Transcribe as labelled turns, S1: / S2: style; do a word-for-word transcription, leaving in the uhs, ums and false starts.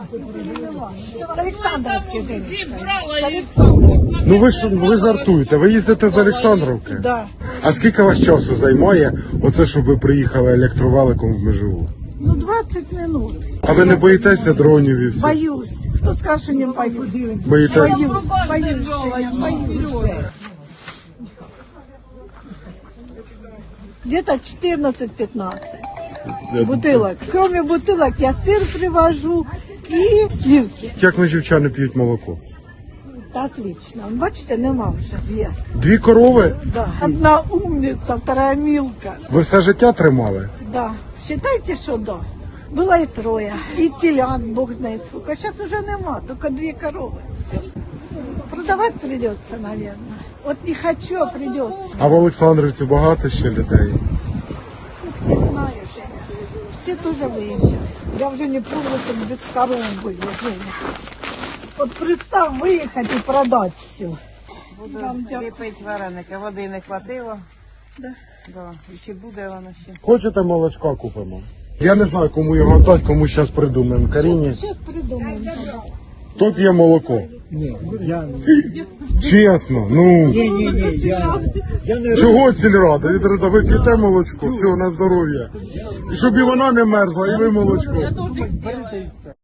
S1: З Олександровки жіночка. З Олександровки.
S2: Ну ви ж ви жартуєте, ви їздите з Олександровки?
S1: Да.
S2: А скільки вас часу займає оце, щоб ви приїхали електроваликом в Межигув?
S1: Ну, двадцять минут.
S2: А ви не боїтеся дронів і все?
S1: Боюсь. Хто скаже, що не боюсь?
S2: Боїтесь?
S1: Боюсь, боюсь, Женя, боюсь. Где-то четырнадцать-пятнадцать бутылок. Кроме бутылок я сыр привожу и сливки.
S2: Як межівчани п'ють молоко?
S1: Да, отлично. Бачите, нема вже. Є.
S2: Дві корови?
S1: Да. Одна умница, вторая милка.
S2: Ви все життя тримали?
S1: Да. Считайте, що да. Было и трое. И телят, бог знает сколько. Сейчас уже нема, только две коровы. Все. Продавать придется, наверное. Вот не хочу, а придется.
S2: А в Олександрівці багато ще людей?
S1: Не знаю, Женя. Все тоже выезжают. Я уже не помню, как без коров были, Женя. Вот представь, выехать и продать все.
S3: Буду
S1: Вам дякую.
S3: ліпити вареники, води не хватило.
S1: Да.
S3: Да. І чи буде воно ще?
S2: Хочете молочка купимо? Я не знаю, кому його дати, кому зараз придумаємо. Каріні,
S1: Сейчас придумаем.
S2: хто п'є молоко?
S4: Ні, я
S2: Чесно, ну.
S4: ні, ні, ні, я, я не
S2: Чого сільрада? Відрада, ви п'єте молочко, все, на здоров'я. І щоб і вона не мерзла, і ви молочко.
S4: роблю.